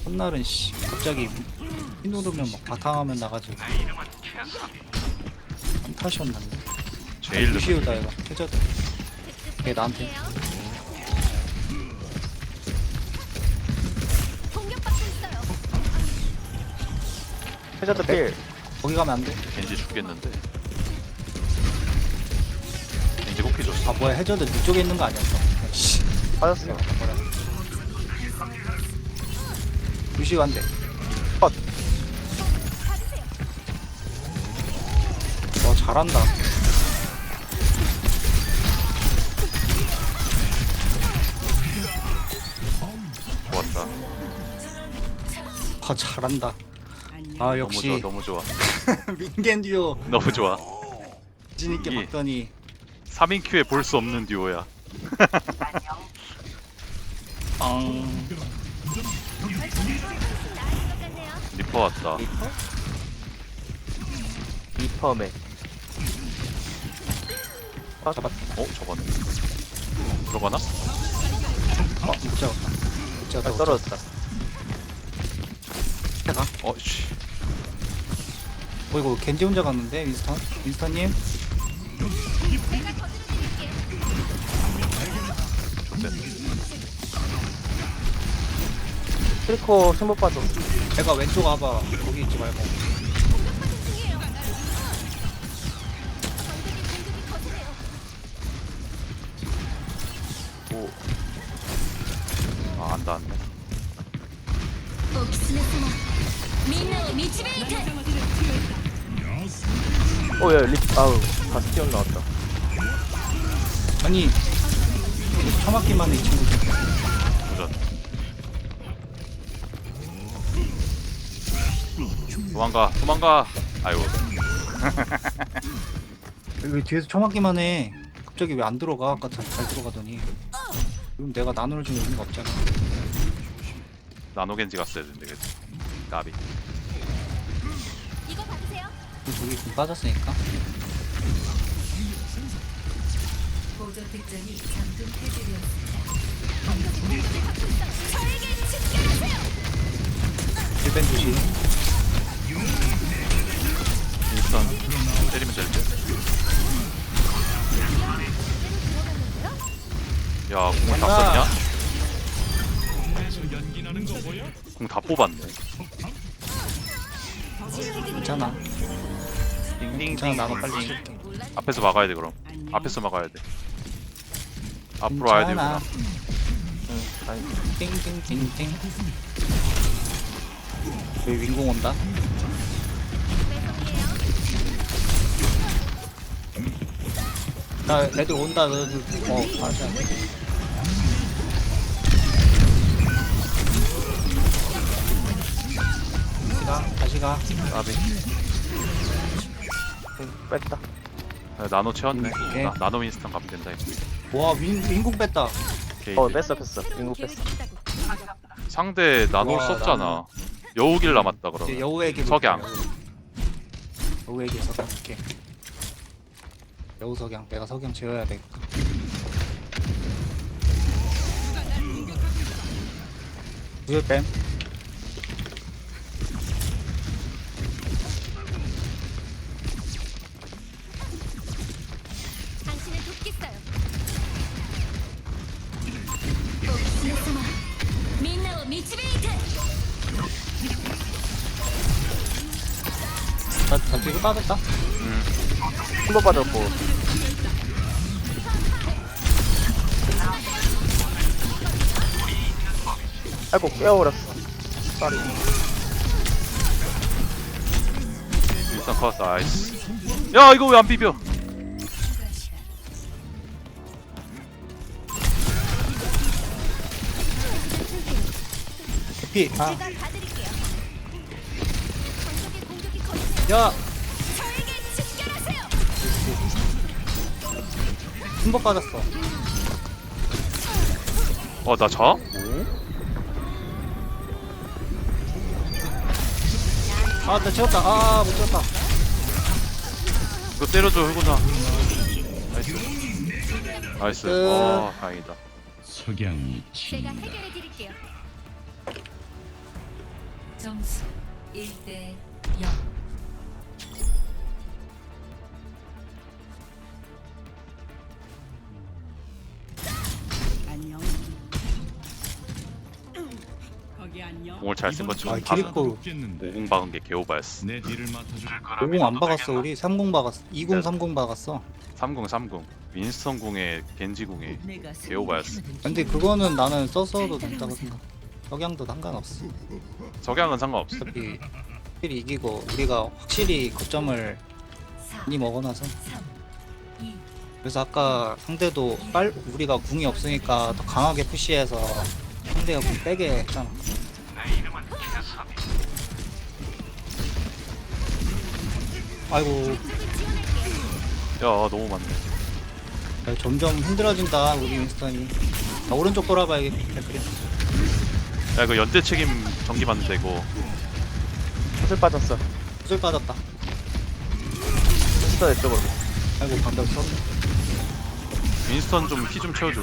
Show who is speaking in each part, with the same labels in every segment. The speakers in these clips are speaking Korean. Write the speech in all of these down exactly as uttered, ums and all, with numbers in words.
Speaker 1: 첫날은 씨 갑자기 피 누르면 막 바탕화면 나가지고 한타시였는데
Speaker 2: 제일 늦은
Speaker 1: 쉬우다 이거 해저드 걔 나한테
Speaker 3: 공격받고 있어요.
Speaker 4: 해저드 필.
Speaker 1: 거기 가면 안돼.
Speaker 2: 겐지 죽겠는데. 겐지 호피 줬어.
Speaker 1: 아 뭐야 해저드 이쪽에 있는 거 아니었어. 씨
Speaker 4: 빠졌어.
Speaker 1: 유시 간대.
Speaker 3: 받으세요.
Speaker 1: 와 잘한다.
Speaker 2: 좋았다.
Speaker 1: 와 잘한다. 아
Speaker 2: 너무
Speaker 1: 역시
Speaker 2: 좋아, 너무 좋아.
Speaker 1: 민겐 듀오
Speaker 2: 너무 좋아.
Speaker 1: 진있게
Speaker 2: 이게-
Speaker 1: 봤더니
Speaker 2: 삼 인 큐에 볼 수 없는 듀오야.
Speaker 1: 빵.
Speaker 2: 리퍼 왔다.
Speaker 1: 리퍼?
Speaker 4: 리퍼맨.
Speaker 1: 아, 잡았다.
Speaker 2: 어, 저거네. 들어가나?
Speaker 1: 어, 못 잡았다. 못
Speaker 4: 아,
Speaker 1: 잡았다. 못
Speaker 4: 떨어졌다.
Speaker 1: 잡았다.
Speaker 2: 어, 씨.
Speaker 1: 어, 이거 겐지 혼자 갔는데, 윈스턴? 윈스턴님?
Speaker 2: 좋대.
Speaker 4: 트리코 승부 빠져.
Speaker 1: 내가 왼쪽 와봐. 거기 있지 말고.
Speaker 2: 오. 아, 안 닿았네.
Speaker 3: お狐様、みんなを導いて。
Speaker 4: 어, 야, 리, 아우, 바스티온 나왔다.
Speaker 1: 아니, 처맞기만 해, 이 친구들.
Speaker 2: 도전. 도망가, 도망가. 아이고.
Speaker 1: 왜 뒤에서 처맞기만 해? 갑자기 왜 안 들어가? 아까 잘, 잘 들어가더니. 그럼 내가 나노를 줄 의미가 없잖아.
Speaker 2: 나노겐지 갔어야 되는데, 그치? 까비.
Speaker 3: 이거 받으세요.
Speaker 1: 저기 좀 빠졌으니까.
Speaker 5: 보조 득점이 잠금 해제되었습니다.
Speaker 3: 저에게 집결하세요.
Speaker 1: 힐벤 주시.
Speaker 2: 일단 때리면 될 듯. 야, 공을 다
Speaker 1: 간다.
Speaker 2: 썼냐? 공 다 뽑았네.
Speaker 1: 괜찮아. 괜찮아,
Speaker 2: 띵띵띵.
Speaker 1: 나가 빨리.
Speaker 2: 앞에서 막아야 돼 그럼. 앞에서 막아야 돼. 앞으로 와야
Speaker 1: 괜찮아.
Speaker 2: 되구나.
Speaker 4: 응, 아니,
Speaker 1: 띵띵띵띵. 여기 윙공 온다. 나 애들 온다. 너들 어 맞아. 다시 가. 다시 가.
Speaker 2: 까비.
Speaker 4: 응, 뺐다.
Speaker 2: 아, 나노 채웠네.
Speaker 1: 오케이.
Speaker 2: 나, 나노 윈스턴 가면 된다 이거.
Speaker 1: 와 윙, 윙공 뺐다.
Speaker 2: 오케이.
Speaker 4: 어, 뺐어, 뺐어. 인구 뺐어.
Speaker 2: 상대 나노
Speaker 1: 와,
Speaker 2: 썼잖아.
Speaker 1: 나노.
Speaker 2: 여우길 남았다
Speaker 1: 이제
Speaker 2: 그러면.
Speaker 1: 여우에게
Speaker 2: 석양.
Speaker 1: 여우에게 석양 줄게. 여우 석양. 내가 석양 지어야 돼. 구슬 뺨.
Speaker 3: 당신을 돕겠어요. お狐様、みんなを導いて。
Speaker 1: 나, 나 뒤로 빠졌다.
Speaker 2: 음.
Speaker 4: 승부 빠졌고. 아이고, 깨워버렸어. 쏘리.
Speaker 2: 윈스턴 컷. 나이스. 야 이거 왜 안 비벼?
Speaker 1: 대피. 아,
Speaker 3: 제가 봐드릴게요. 방석의 공격이 거세요.
Speaker 1: 야,
Speaker 3: 저에게 집결하세요.
Speaker 1: 한번 빠졌어.
Speaker 2: 어 나 자?
Speaker 1: 아, 나 지웠다. 아, 못 지웠다.
Speaker 2: 이거 때려줘 효구나. 나이스. 나이스.
Speaker 1: 끝.
Speaker 2: 어 다행이다.
Speaker 6: 석양이
Speaker 3: 제가
Speaker 6: 친다.
Speaker 3: 해결해 드릴게요.
Speaker 5: 점수 일 대 영.
Speaker 6: 안녕. 거기 안녕.
Speaker 2: 공을 잘 쓴 것좀
Speaker 1: 아, 키리코
Speaker 2: 오공 박은 게 개오바였어.
Speaker 7: 내 뒤를 맡아줄
Speaker 1: 오공 안 박았어 우리. 삼공 박았어. 이공 삼공 박았어.
Speaker 2: 삼공 삼공 윈스턴 궁에 겐지 궁에 개오바였어.
Speaker 1: 근데 그거는 나는 써서도 된다고 생각. 석양도 상관없어.
Speaker 2: 석양은 상관없어.
Speaker 1: 어차피 확실히 이기고 우리가 확실히 거점을
Speaker 5: 사,
Speaker 1: 많이 먹어놔서.
Speaker 5: 삼, 이,
Speaker 1: 그래서 아까 상대도 빨 우리가 궁이 없으니까 더 강하게 푸시해서 상대가 궁 빼게 했잖아. 아이고
Speaker 2: 야 너무 많네.
Speaker 1: 야, 점점 힘들어진다 우리 윈스턴이. 나 오른쪽 돌아봐야겠다. 그래.
Speaker 2: 야 이거 연대 책임 전기 받는데 이거.
Speaker 4: 구슬 빠졌어.
Speaker 1: 구슬 빠졌다.
Speaker 4: 스터 이쪽으로.
Speaker 1: 아이고 방금 써.
Speaker 2: 윈스턴 좀 피 좀 채워줘.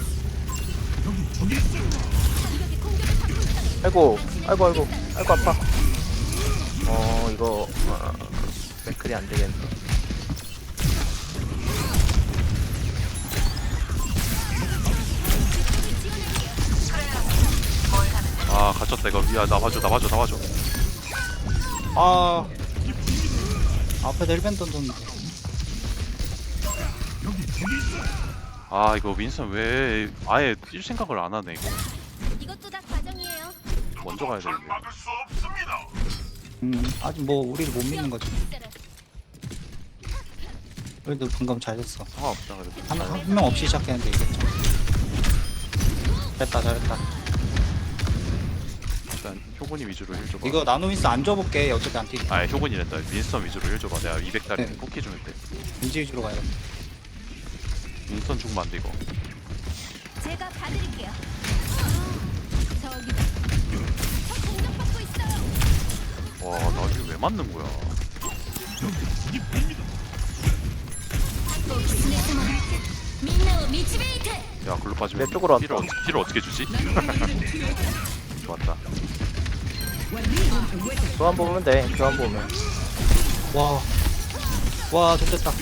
Speaker 4: 아이고, 아이고, 아이고, 아이고 아파. 어 이거 어, 맥클이 안 되겠네.
Speaker 2: 아 갇혔다 이거. 야나 봐줘 나 봐줘 나 봐줘.
Speaker 1: 아 앞에다 힐밴 던졌는데.
Speaker 2: 아 이거 윈스턴 왜 아예 뛸 생각을 안 하네 이거.
Speaker 3: 이것도 다 과정이에요.
Speaker 2: 먼저 가야 되는데.
Speaker 1: 음 아직 뭐 우리를 못 믿는 거지. 그래도 방금 잘 됐어.
Speaker 2: 상관없다 그래도.
Speaker 1: 한 명 없이 시작했는데 이겼죠. 잘했다 잘했다.
Speaker 2: 일단 효곤이 위주로 힐 줘봐.
Speaker 1: 이거 나노미스 안 줘볼게. 어차피 안 뛰지.
Speaker 2: 아 효곤이랬다. 윈스턴 위주로 힐 줘봐. 내가 이백 달이
Speaker 1: 네.
Speaker 2: 뽑기 좀 했대.
Speaker 1: 인지 위주로 가야 돼.
Speaker 2: 윈스턴 죽으면 안 돼 이거.
Speaker 3: 제가 봐드릴게요. 저기 저 공격받고 있어요.
Speaker 2: 와나 이거 왜 맞는 거야.
Speaker 3: みんなを導いて
Speaker 2: 야 글로 빠지면
Speaker 4: 내 쪽으로
Speaker 2: 힐을,
Speaker 4: 왔다.
Speaker 2: 어떻게, 힐을 어떻게 주지? 좋았다.
Speaker 4: 교환 보면 돼. 교환 보면.
Speaker 1: 와, 와, 좋됐다.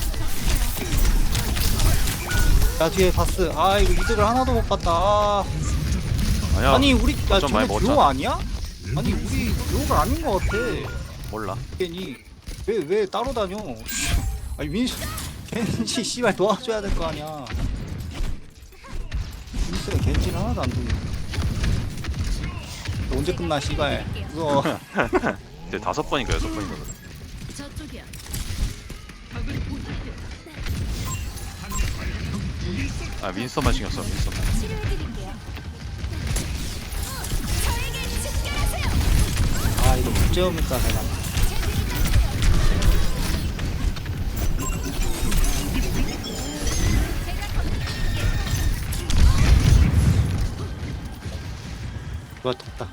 Speaker 1: 야 뒤에 바스. 아 이거 이득을 하나도 못 봤다. 아.
Speaker 2: 아니야
Speaker 1: 아니 우리 야
Speaker 2: 거점 많이
Speaker 1: 저게 듀오
Speaker 2: 먹었잖아.
Speaker 1: 아니야? 아니 우리 듀오가 아닌 것 같아.
Speaker 2: 몰라.
Speaker 1: 괜히 왜 왜 따로 다녀? 아니 민수 겐지 씨발 도와줘야 될 거 아니야. 민수가 겐지를 하나도 안 도네. 언제 끝나 씨발. 그거
Speaker 2: 이제 다섯 번인가 여섯 번인가 그래.
Speaker 3: 저쪽이야.
Speaker 2: 아 윈스턴만 신경 써 윈스턴만.
Speaker 3: 치료해드릴게요. 저에게 집결하세요.
Speaker 1: 아 이거 문제옵니까 내가. 좋았다.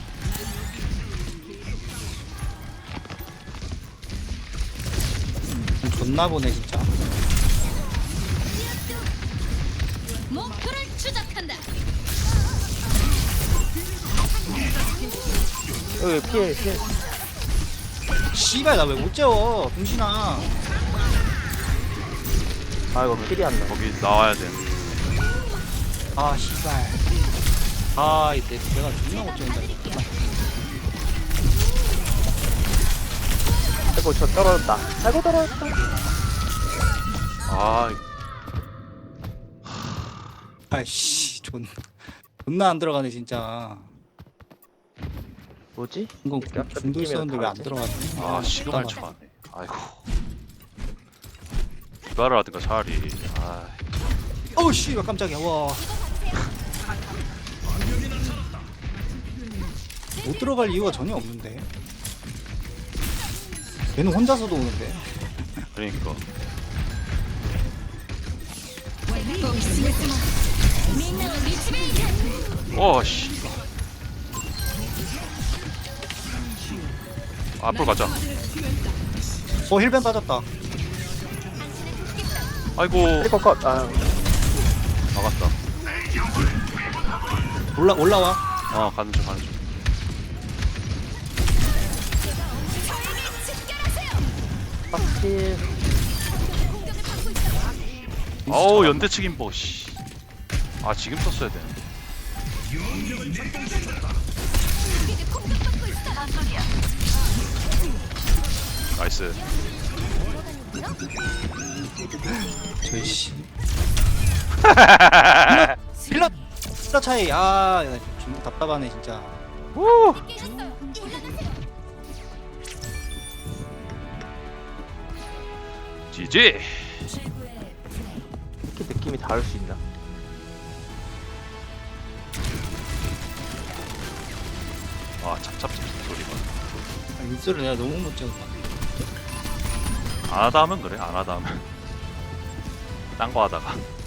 Speaker 1: 존나 보네 진짜.
Speaker 3: 목표를 추적한다.
Speaker 4: 여기 피해, 피해.
Speaker 1: 씨발 나 왜 못 재워 병신아.
Speaker 4: 아 이거 킬이 안 나.
Speaker 2: 거기 나와야 돼.
Speaker 1: 아 씨발. 아 이때 내가 존나 못 재운다 이거.
Speaker 4: 아이고 저 떨어졌다. 아이고 떨어졌다.
Speaker 2: 아
Speaker 1: 아이씨 존 존나 안 들어가네 진짜.
Speaker 4: 뭐지?
Speaker 1: 이거
Speaker 4: 약간
Speaker 1: 중도
Speaker 4: 느낌이
Speaker 1: 있었는데 왜 안
Speaker 4: 다르지?
Speaker 1: 들어가지?
Speaker 2: 아 시그널
Speaker 1: 답답하네.
Speaker 2: 쳐네. 아이고. 디바를 하든가 차라리. 아
Speaker 1: 어우 씨발 깜짝이야. 와. 못 들어갈 이유가 전혀 없는데. 얘는 혼자서도 오는데.
Speaker 2: 그러니까.
Speaker 3: お狐様みんなを導いて
Speaker 2: 어 씨. 앞으로 가자.
Speaker 1: 어 힐벤 빠졌다.
Speaker 2: 아이고
Speaker 4: 크리커 컷. 아
Speaker 2: 막았다.
Speaker 1: 올라 올라와.
Speaker 2: 어 가는 중 가는 중.
Speaker 4: 빡칠.
Speaker 2: 어우 연대 측임보 씨. 아 지금 썼어야 돼. 나이스.
Speaker 1: 저이씨. 필러 필러 차이. 아, 나 좀 답답하네 진짜.
Speaker 2: 우. 지지.
Speaker 5: 최고의 플레이.
Speaker 4: 이렇게 느낌이 다를 수 있나?
Speaker 2: 아 찹찹찹 소리가.
Speaker 1: 아, 인수를 내가 너무 못 찍었다.
Speaker 2: 안 하다 하면 그래. 안 하다 하면. 딴 거 하다가.